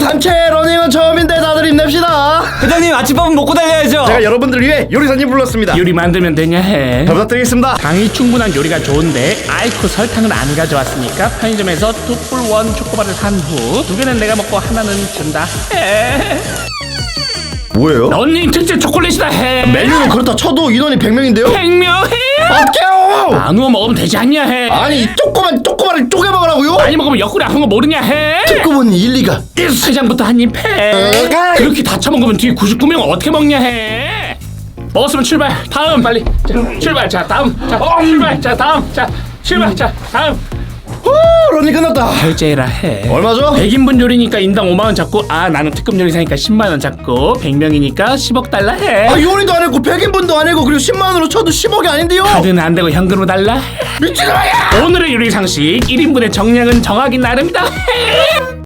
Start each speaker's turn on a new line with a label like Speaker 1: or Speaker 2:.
Speaker 1: 단체 러닝은 처음인데 다들 힘냅시다.
Speaker 2: 회장님 아침밥은 먹고 달려야죠.
Speaker 1: 제가 여러분들을 위해 요리사님 불렀습니다.
Speaker 3: 요리 만들면 되냐 해.
Speaker 1: 잘 부탁드리겠습니다.
Speaker 3: 당이 충분한 요리가 좋은데 아이쿠 설탕을 안 가져왔으니까 편의점에서 2풀1 초코바를 산 후 2개는 내가 먹고 하나는 준다 해.
Speaker 1: 뭐예요?
Speaker 3: 런닝 특제 초콜릿이다 해.
Speaker 1: 메뉴는 그렇다 쳐도 인원이 100명인데요?
Speaker 3: 100명 해.
Speaker 1: 어때요?
Speaker 3: 나누어 먹으면 되지 않냐 해.
Speaker 1: 아니 조그마를 쪼개 먹으라고요?
Speaker 3: 많이 먹으면 옆구리 아픈 거 모르냐 해.
Speaker 1: 듣고 보니 일리가.
Speaker 3: 회장부터 한 입 해. 그렇게 다 처먹으면 뒤에 99명 어떻게 먹냐 해. 먹었으면 출발. 다음 빨리. 자, 출발. 자 다음. 자 출발. 자 다음. 자 출발. 자 다음.
Speaker 1: 러닝 끝났다.
Speaker 3: 결제해라 해.
Speaker 1: 얼마죠?
Speaker 3: 100인분 요리니까 인당 5만원 잡고 나는 특급 요리사니까 10만원 잡고 100명이니까 10억 달라 해.
Speaker 1: 요리도 안 했고 100인분도 안 했고 그리고 10만원으로 쳐도 10억이 아닌데요?
Speaker 3: 카드는 안 되고 현금으로 달라 해.
Speaker 1: 미친놈이야!
Speaker 3: 오늘의 요리 상식 1인분의 정량은 정하기 나름이다 해.